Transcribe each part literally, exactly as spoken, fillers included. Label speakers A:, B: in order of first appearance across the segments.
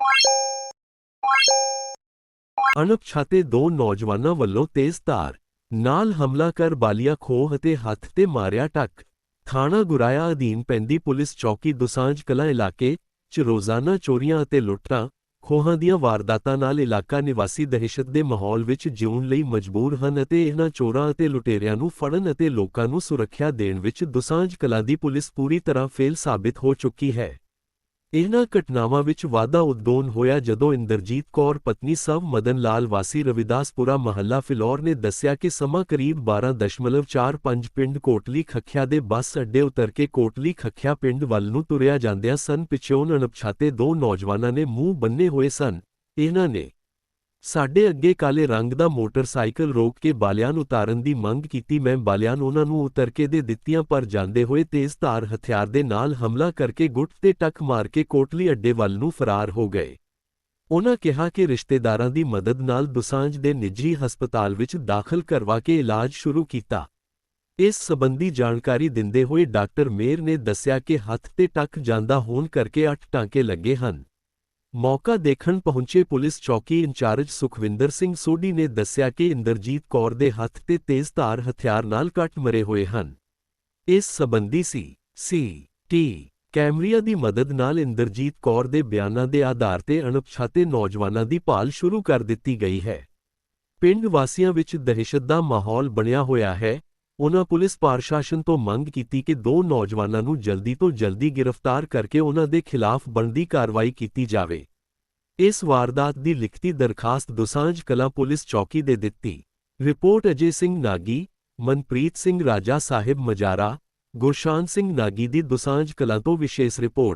A: ਅਣਪਛਾਤੇ ਦੋ ਨੌਜਵਾਨਾਂ ਵੱਲੋਂ ਤੇਜ਼ ਧਾਰ ਨਾਲ ਹਮਲਾ ਕਰ ਬਾਲੀਆ ਖੋਹ ਅਤੇ ਹੱਥ ਤੇ ਮਾਰਿਆ ਟੱਕ। ਥਾਣਾ ਗੁਰਾਇਆ ਅਧੀਨ ਪੈਂਦੀ ਪੁਲਿਸ ਚੌਕੀ ਦੁਸਾਂਝ ਕਲਾਂ ਇਲਾਕੇ 'ਚ ਰੋਜ਼ਾਨਾ ਚੋਰੀਆਂ ਅਤੇ ਲੁੱਟਾਂ ਖੋਹਾਂ ਦੀਆਂ ਵਾਰਦਾਤਾਂ ਨਾਲ ਇਲਾਕਾ ਨਿਵਾਸੀ ਦਹਿਸ਼ਤ ਦੇ ਮਾਹੌਲ ਵਿੱਚ ਜਿਉਣ ਲਈ ਮਜਬੂਰ ਹਨ ਅਤੇ ਇਹਨਾਂ ਚੋਰਾਂ ਅਤੇ ਲੁਟੇਰਿਆਂ ਨੂੰ ਫੜਨ ਅਤੇ ਲੋਕਾਂ ਨੂੰ ਸੁਰੱਖਿਆ ਦੇਣ ਵਿੱਚ ਦੁਸਾਂਝ ਕਲਾਂ ਦੀ ਪੁਲਿਸ ਪੂਰੀ ਤਰ੍ਹਾਂ ਫੇਲ ਸਾਬਿਤ ਹੋ ਚੁੱਕੀ ਹੈ। ਇਹਨਾਂ ਘਟਨਾਵਾਂ ਵਿੱਚ ਵਾਧਾ ਉਦੋਂ ਹੋਇਆ ਜਦੋਂ ਇੰਦਰਜੀਤ ਕੌਰ ਪਤਨੀ ਸਵ ਮਦਨ ਲਾਲ ਵਾਸੀ ਰਵਿਦਾਸਪੁਰਾ ਮਹੱਲਾ ਫਿਲੌਰ ਨੇ ਦੱਸਿਆ ਕਿ ਸਮਾਂ ਕਰੀਬ ਬਾਰਾਂ ਦਸ਼ਮਲਵ ਚਾਰ ਪੰਜ ਪਿੰਡ ਕੋਟਲੀ ਖੱਖਿਆ ਦੇ ਬੱਸ ਅੱਡੇ ਉਤਰ ਕੇ ਕੋਟਲੀ ਖੱਖਿਆ ਪਿੰਡ ਵੱਲ ਨੂੰ ਤੁਰਿਆ ਜਾਂਦਿਆਂ ਸਨ। ਪਿੱਛੋਂ ਅਣਪਛਾਤੇ ਦੋ ਨੌਜਵਾਨਾਂ ਨੇ ਮੂੰਹ ਬੰਨੇ ਹੋਏ ਸਨ। ਇਹਨਾਂ ਨੇ ਸਾਡੇ ਅੱਗੇ ਕਾਲੇ ਰੰਗ ਦਾ ਮੋਟਰਸਾਈਕਲ ਰੋਕ ਕੇ ਬਾਲਿਆਂ ਨੂੰ ਉਤਾਰਨ ਦੀ ਮੰਗ ਕੀਤੀ। ਮੈਂ ਬਾਲਿਆਂ ਨੂੰ ਉਹਨਾਂ ਨੂੰ ਉਤਰ ਕੇ ਦੇ ਦਿੱਤੀਆਂ ਪਰ ਜਾਂਦੇ ਹੋਏ ਤੇਜ਼ ਧਾਰ ਹਥਿਆਰ ਦੇ ਨਾਲ ਹਮਲਾ ਕਰਕੇ ਗੁੱਟ ਤੇ ਟੱਕ ਮਾਰ ਕੇ ਕੋਟਲੀ ਅੱਡੇ ਵੱਲ ਨੂੰ ਫਰਾਰ ਹੋ ਗਏ। ਉਨ੍ਹਾਂ ਕਿਹਾ ਕਿ ਰਿਸ਼ਤੇਦਾਰਾਂ ਦੀ ਮਦਦ ਨਾਲ ਦੁਸਾਂਝ ਦੇ ਨਿੱਜੀ ਹਸਪਤਾਲ ਵਿੱਚ ਦਾਖਲ ਕਰਵਾ ਕੇ ਇਲਾਜ ਸ਼ੁਰੂ ਕੀਤਾ। ਇਸ ਸਬੰਧੀ ਜਾਣਕਾਰੀ ਦਿੰਦੇ ਹੋਏ ਡਾਕਟਰ ਮੇਰ ਨੇ ਦੱਸਿਆ ਕਿ ਹੱਥ ਤੇ ਟੱਕ ਜਾਂਦਾ ਹੋਣ ਕਰਕੇ ਅੱਠ ਟਾਂਕੇ ਲੱਗੇ ਹਨ। ਮੌਕਾ ਦੇਖਣ ਪਹੁੰਚੇ ਪੁਲਿਸ ਚੌਕੀ ਇੰਚਾਰਜ ਸੁਖਵਿੰਦਰ ਸਿੰਘ ਸੋਢੀ ਨੇ ਦੱਸਿਆ ਕਿ ਇੰਦਰਜੀਤ ਕੌਰ ਦੇ ਹੱਥ ਤੇ ਤੇਜ਼ ਧਾਰ ਹਥਿਆਰ ਨਾਲ ਕੱਟ ਮਰੇ ਹੋਏ ਹਨ। ਇਸ ਸਬੰਧੀ ਸੀ ਸੀ ਟੀ ਕੈਮਰਿਆਂ ਦੀ ਮਦਦ ਨਾਲ ਇੰਦਰਜੀਤ ਕੌਰ ਦੇ ਬਿਆਨਾਂ ਦੇ ਆਧਾਰ ਤੇ ਅਣਪਛਾਤੇ ਨੌਜਵਾਨਾਂ ਦੀ ਭਾਲ ਸ਼ੁਰੂ ਕਰ ਦਿੱਤੀ ਗਈ ਹੈ। ਪਿੰਡ ਵਾਸੀਆਂ ਵਿੱਚ ਦਹਿਸ਼ਤ ਦਾ ਮਾਹੌਲ ਬਣਿਆ ਹੋਇਆ ਹੈ। ਉਨ੍ਹਾਂ ਪੁਲਿਸ ਪ੍ਰਸ਼ਾਸਨ ਤੋਂ ਮੰਗ ਕੀਤੀ ਕਿ ਦੋ ਨੌਜਵਾਨਾਂ ਨੂੰ ਜਲਦੀ ਤੋਂ ਜਲਦੀ ਗ੍ਰਿਫਤਾਰ ਕਰਕੇ ਉਨ੍ਹਾਂ ਦੇ ਖਿਲਾਫ ਬਣਦੀ ਕਾਰਵਾਈ ਕੀਤੀ ਜਾਵੇ। ਇਸ ਵਾਰਦਾਤ ਦੀ ਲਿਖਤੀ ਦਰਖਾਸਤ ਦੁਸਾਂਝ ਕਲਾਂ ਪੁਲਿਸ ਚੌਕੀ ਦੇ ਦਿੱਤੀ। ਰਿਪੋਰਟ ਅਜੇ ਸਿੰਘ ਨਾਗੀ, ਮਨਪ੍ਰੀਤ ਸਿੰਘ ਰਾਜਾ ਸਾਹਿਬ ਮਜਾਰਾ, ਗੁਰਸ਼ਾਨ ਸਿੰਘ ਨਾਗੀ ਦੀ ਦੁਸਾਂਝ ਕਲਾਂ ਤੋਂ ਵਿਸ਼ੇਸ਼ ਰਿਪੋਰਟ।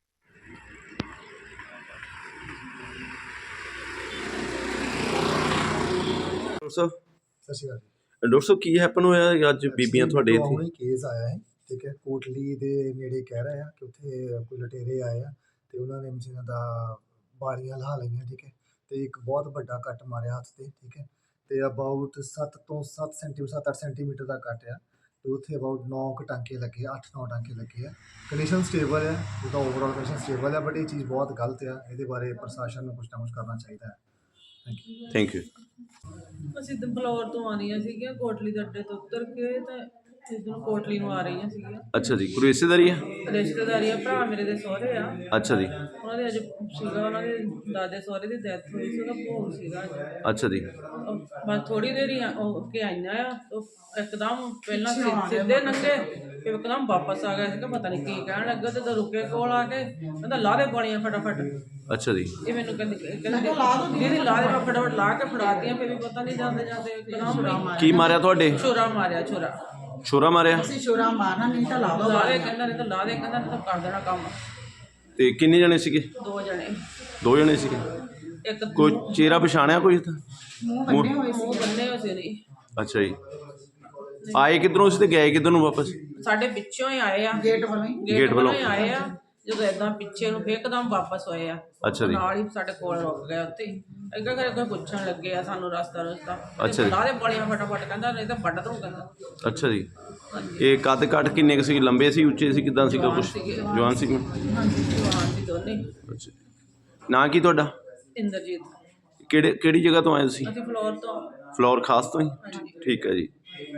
B: ਸਤਿ ਸ਼੍ਰੀ ਅਕਾਲ
C: ਡਾਕਟਰ ਸਾਹਿਬ ਕੀ ਹੈਪਨ ਹੋਇਆ ਅੱਜ ਬੀਬੀਆਂ ਤੁਹਾਡੇ ਇੱਥੇ?
B: ਹੁਣੇ ਕੇਸ ਆਇਆ ਹੈ, ਠੀਕ ਹੈ। ਕੋਟਲੀ ਦੇ ਨੇੜੇ ਕਹਿ ਰਹੇ ਆ ਕਿ ਉੱਥੇ ਕੋਈ ਲੁਟੇਰੇ ਆਏ ਆ ਤੇ ਉਹਨਾਂ ਨੇ ਮਸ਼ੀਨਾਂ ਦਾ ਬਾਰੀਆਂ ਲਾ ਲਈਆਂ, ਠੀਕ ਹੈ। ਤੇ ਇੱਕ ਬਹੁਤ ਵੱਡਾ ਕੱਟ ਮਾਰਿਆ ਹੱਥ ਤੇ, ਠੀਕ ਹੈ। ਤੇ ਅਬਾਊਟ ਸੱਤ ਤੋਂ ਸੱਤ ਸੈਂਟੀਮੀਟਰ ਸੱਤ ਅੱਠ ਸੈਂਟੀਮੀਟਰ ਦਾ ਕੱਟ ਆ ਤੇ ਉੱਥੇ ਅਬਾਊਟ ਨੌ ਕੁ ਟਾਂਕੇ ਲੱਗੇ, ਅੱਠ ਨੌ ਟਾਂਕੇ ਲੱਗੇ ਆ। ਕੰਡੀਸ਼ਨ ਸਟੇਬਲ ਹੈ, ਉਹਦਾ ਓਵਰਆਲ ਕੰਡੀਸ਼ਨ ਸਟੇਬਲ ਹੈ, ਬਟ ਇਹ ਚੀਜ਼ ਬਹੁਤ ਗਲਤ ਆ। ਇਹਦੇ ਬਾਰੇ ਪ੍ਰਸ਼ਾਸਨ ਨੂੰ ਕੁਛ ਨਾ ਕੁਛ ਕਰਨਾ ਚਾਹੀਦਾ ਹੈ। Thank you
C: thank you.
D: ਅਸੀਂ ਤਾਂ ਫਲੋਰ ਤੋਂ ਆ ਰਹੀਆਂ ਸੀਗੀਆਂ, ਕੋਟਲੀ ਦੇ ਅੱਡੇ ਤੋਂ ਉਤਰ ਕੇ ਤਾਂ ਇੱਧਰੋਂ ਕੋਟਲੀ ਨੂੰ ਆ ਰਹੀਆਂ ਸੀਗੀਆਂ।
C: ਅੱਛਾ ਜੀ, ਕੋਈ ਰਿਸ਼ਤੇਦਾਰੀ ਹੈ?
D: ਰਿਸ਼ਤੇਦਾਰੀ ਆ, ਭਰਾ ਮੇਰੇ ਦੇ ਸਹੁਰੇ ਆ।
C: ਅੱਛਾ ਜੀ।
D: ਉਹਨਾਂ ਦੇ ਅੱਜ ਸੀਗਾ, ਉਹਨਾਂ ਦੇ ਦਾਦੇ ਸਹੁਰੇ ਦੀ ਡੈਥ ਹੋਈ ਸੀ, ਉਹਦਾ ਭੋਗ ਸੀਗਾ ਅੱਜ।
C: ਅੱਛਾ ਜੀ।
D: ਉਹ ਬਸ ਥੋੜ੍ਹੀ ਦੇਰ ਹੀ ਹੋ ਕੇ ਆਈਆਂ ਆ, ਉਹ ਇੱਕਦਮ ਪਹਿਲਾਂ ਸਿ- ਸਿੱਧੇ ਲੰਘੇ, ਫਿਰ ਇੱਕਦਮ ਵਾਪਸ ਆ ਗਏ ਸੀਗਾ। ਪਤਾ ਨਹੀਂ ਕੀ ਕਹਿਣ ਲੱਗਾ ਤੇ ਜਦੋਂ ਰੁਕੇ ਕੋਲ ਆ ਕੇ ਕਹਿੰਦਾ ਲਾ ਦੇ ਪਾਣੀਆਂ ਫਟਾਫਟ।
C: ਅੱਛਾ ਜੀ।
D: ਇਹ ਮੈਨੂੰ ਕਹਿੰਦੀ ਕਹਿੰਦੀ ਦੀਦੀ ਲਾ ਦੇ, ਮੈਂ ਫਟਾਫਟ ਲਾ ਕੇ ਫੜਾਤੀਆਂ। ਫਿਰ ਵੀ ਪਤਾ ਨਹੀਂ ਜਾਂਦੇ ਜਾਂਦੇ ਇੱਕਦਮ
C: ਕੀ ਮਾਰਿਆ ਤੁਹਾਡੇ?
D: ਛੁਰਾ ਮਾਰਿਆ, ਛੁਰਾ
C: ਛੁਰਾ ਮਾਰਿਆ?
E: ਅਸੀਂ ਛੁਰਾ ਮਾਰਨਾ ਨਹੀਂ ਤਾਂ ਲਾ ਦੋ।
D: ਲਾ ਦੇ ਕਹਿੰਦਾ, ਨਹੀਂ ਤਾਂ ਲਾ ਦੇ ਕਹਿੰਦਾ, ਨਹੀਂ ਤਾਂ ਕਰ ਦੇਣਾ ਕੰਮ।
C: ਤੇ ਕਿੰਨੇ ਜਣੇ ਸੀਗੇ?
D: ਦੋ ਜਣੇ,
C: ਦੋ ਜਣੇ ਸੀਗੇ।
D: ਇੱਕ
C: ਕੋਈ ਚਿਹਰਾ ਪਛਾਣਿਆ ਕੋਈ ਤਾਂ?
E: ਮੂੰਹ ਬੰਨੇ ਹੋਏ
D: ਮੂੰਹ ਬੰਨੇ ਹੋਏ ਸੀ ਨਹੀਂ।
C: ਅੱਛਾ ਜੀ। ਆਏ ਕਿੱਧਰੋਂ ਸੀ ਤੇ ਗਏ ਕਿੱਧਰ ਨੂੰ ਵਾਪਸ?
D: ਸਾਡੇ ਪਿੱਛੋਂ ਹੀ ਆਏ ਆ,
E: ਗੇਟ ਵੱਲੋਂ ਹੀ।
D: ਗੇਟ ਵੱਲੋਂ ਹੀ ਆਏ ਆ। ਜਦੋਂ ਏਦਾਂ ਪਿੱਛੇ ਨੂੰ ਇੱਕਦਮ ਵਾਪਸ ਹੋਏ ਆ।
C: ਅੱਛਾ ਜੀ।
D: ਨਾਲ ਹੀ ਸਾਡੇ ਕੋਲ ਰੁਕ ਗਏ ਉੱਥੇ ਹੀ। ਅੱਗੇ ਕਰ ਅੱਗੇ ਪੁੱਛਣ ਲੱਗੇ ਆ ਸਾਨੂੰ ਰਸਤਾ ਰਸਤਾ।
C: ਅੱਛਾ ਜੀ।
D: ਲਾ ਦੇ ਪਾਣੀਆਂ ਫਟਾਫਟ ਕਹਿੰਦਾ, ਨਹੀਂ ਤਾਂ ਵੱਢ ਦੂੰ ਕਹਿੰਦਾ।
C: ਅੱਛਾ ਜੀ। ਇਹ ਕੱਦ ਕੱਟ ਕਿੰਨੇ ਕੁ ਸੀ? ਲੰਬੇ ਸੀ, ਉੱਚੇ ਸੀ, ਕਿੱਦਾਂ ਸੀਗਾ ਕੁਛ? ਜਵਾਨ ਸੀ?
D: ਹਾਂਜੀ ਜਵਾਨ ਸੀ ਦੋਨੇ।
C: ਅੱਛਾ। ਨਾਂ ਕੀ ਤੁਹਾਡਾ?
D: ਇੰਦਰਜੀਤ।
C: ਕਿਹੜੇ ਕਿਹੜੀ ਜਗ੍ਹਾ ਤੋਂ ਆਏ ਤੁਸੀਂ?
D: ਅਸੀਂ ਫਲੋਰ ਤੋਂ।
C: ਫਲੋਰ ਖਾਸ ਤੋਂ ਹੀ?
D: ਹਾਂਜੀ।
C: ਠੀਕ ਹੈ ਜੀ।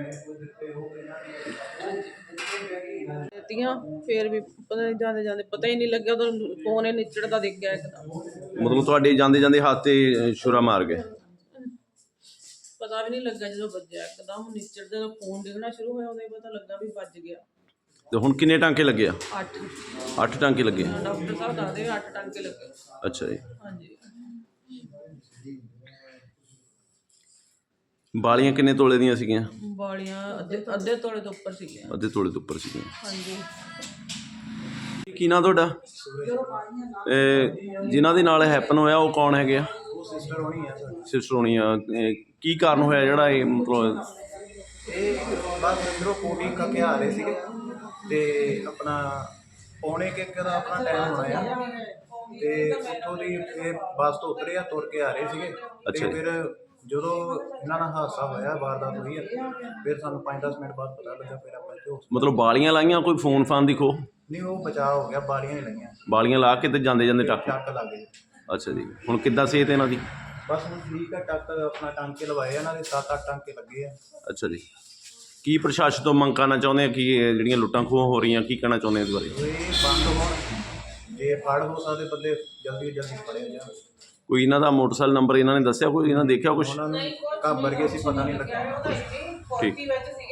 D: ਦਿੱਤੀਆਂ ਫਿਰ ਵੀ ਪਤਾ ਨਹੀਂ ਜਾਂਦੇ ਜਾਂਦੇ ਪਤਾ ਹੀ ਨਹੀਂ ਲੱਗਿਆ, ਉਦੋਂ ਫੋਨ ਹੀ ਨਿਚੜਦਾ ਦਿਖ ਗਿਆ ਇੱਕਦਮ।
C: ਮਤਲਬ ਤੁਹਾਡੇ ਜਾਂਦੇ ਜਾਂਦੇ ਹੱਥ ਤੇ ਛੁਰਾ ਮਾਰ ਗਏ?
D: ਪਤਾ ਵੀ ਨਹੀਂ ਲੱਗਾ, ਜਦੋਂ ਵੱਜਿਆ ਇੱਕਦਮ ਨਿਚੜਦੇ, ਜਦੋਂ ਫੋਨ ਡਿੱਗਣਾ ਸ਼ੁਰੂ ਹੋਇਆ ਉਦੋਂ ਹੀ ਪਤਾ ਲੱਗਾ ਵੀ ਵੱਜ ਗਿਆ।
C: ਤੇ ਹੁਣ ਕਿੰਨੇ ਟਾਂਕੇ ਲੱਗੇ ਆ?
D: ਅੱਠ।
C: ਅੱਠ ਟਾਂਕੇ ਲੱਗੇ।
D: ਡਾਕਟਰ ਸਾਹਿਬ ਦੱਸਦੇ ਅੱਠ ਟਾਂਕੇ ਲੱਗੇ।
C: ਅੱਛਾ ਜੀ।
D: ਹਾਂਜੀ।
C: ਬਾਲੀਆਂ ਕਿੰਨੇ ਤੋਲੇ ਦੀਆਂ ਸੀਗੀਆਂ?
D: ਵਾਲੀਆਂ ਅੱਧੇ ਅੱਧੇ ਤੋਲੇ ਤੋਂ ਉੱਪਰ ਸੀਗੀਆਂ।
C: ਅੱਧੇ ਤੋਲੇ ਤੋਂ ਉੱਪਰ ਸੀਗੀਆਂ।
D: ਹਾਂਜੀ।
C: ਕੀ ਨਾਂ ਤੁਹਾਡਾ? ਇਹ ਜਿਨ੍ਹਾਂ ਦੇ ਨਾਲ ਹੈਪਨ ਹੋਇਆ ਉਹ ਕੌਣ ਹੈਗੇ ਆ?
B: ਸਿਸਟਰ ਹੋਣੀ ਆ ਸਰ।
C: ਸਿਸਟਰ ਹੋਣੀ ਆ। ਇਹ ਕੀ ਕਾਰਨ ਹੋਇਆ ਜਿਹੜਾ ਇਹ ਮਤਲਬ?
B: ਇਹ ਬਸ ਅੰਦਰੋਂ ਕੋਟੀ ਕੱਕੇ ਆ ਰਹੇ ਸੀਗੇ ਤੇ ਆਪਣਾ ਪੌਣੇ ਕੁ ਇੱਕ ਦਾ ਆਪਣਾ ਟਾਈਮ ਹੋਣਾ ਆ ਤੇ ਉੱਥੋਂ ਦੀ ਇਹ ਬੱਸ ਤੋਂ ਉਤਰੇ ਆ, ਤੁਰ ਕੇ ਆ ਰਹੇ ਸੀਗੇ।
C: ਅੱਛਾ
B: ਤੇ
C: ਜੀ।
B: ਫਿਰ ਜਦੋਂ ਇਹਨਾਂ ਨਾਲ ਹਾਦਸਾ ਹੋਇਆ, ਵਾਰਦਾਤ ਹੋਈ ਆ, ਫਿਰ ਸਾਨੂੰ ਪੰਜ ਦਸ ਮਿੰਟ ਬਾਅਦ ਪਤਾ ਲੱਗਾ। ਫਿਰ ਆਪਾਂ ਇੱਥੇ hospital-
C: ਮਤਲਬ ਬਾਲੀਆਂ ਲਾਈਆਂ, ਕੋਈ ਫੋਨ ਫਾਨ ਦੀ ਖੋ?
B: ਨਹੀਂ, ਉਹ ਬਚਾਅ ਹੋ ਗਿਆ, ਬਾਰੀਆਂ ਹੀ ਲੱਗੀਆਂ,
C: ਬਾਲੀਆਂ ਲਾ ਕੇ ਤੇ ਜਾਂਦੇ ਜਾਂਦੇ ਟੱਕ?
B: ਟੱਕ ਲੱਗ ਗਏ।
C: ਅੱਛਾ ਜੀ, ਹੁਣ ਕਿੱਦਾਂ ਸਿਹਤ ਇਹਨਾਂ ਦੀ?
F: ਬਸ ਹੁਣ ਠੀਕ ਆ, ਟੱਕ ਆਪਣਾ ਟਾਂਕੇ ਲਵਾਏ ਆ, ਇਹਨਾਂ ਦੇ ਸੱਤ ਅੱਠ ਟਾਂਕੇ ਲੱਗੇ ਆ।
C: ਅੱਛਾ ਜੀ, ਕੀ ਪ੍ਰਸ਼ਾਸਨ ਤੋਂ ਮੰਗ ਕਰਨਾ ਚਾਹੁੰਦੇ ਆ ਕਿ ਇਹ ਜਿਹੜੀਆਂ ਲੁੱਟਾਂ ਖੋਹਾਂ ਹੋ ਰਹੀਆਂ, ਕੀ ਕਹਿਣਾ ਚਾਹੁੰਦੇ ਆ ਇਸ ਬਾਰੇ?
F: ਇਹ ਬੰਦ ਹੋਣ, ਜੇ ਫੜ ਹੋ ਸਕਦੇ ਬੰਦੇ ਜਲਦੀ ਤੋਂ ਜਲਦੀ ਫੜੇ ਜਾਣ।
C: ਕੋਈ ਇਹਨਾਂ ਦਾ ਮੋਟਰਸਾਈਕਲ ਨੰਬਰ ਇਹਨਾਂ ਨੇ ਦੱਸਿਆ, ਕੋਈ ਇਹਨਾਂ ਦੇਖਿਆ ਕੁਛ?
F: ਉਹਨਾਂ ਨੂੰ ਘਾਬਰ ਗਏ ਸੀ, ਪਤਾ ਨਹੀਂ ਲੱਗਾ।
C: ਠੀਕ।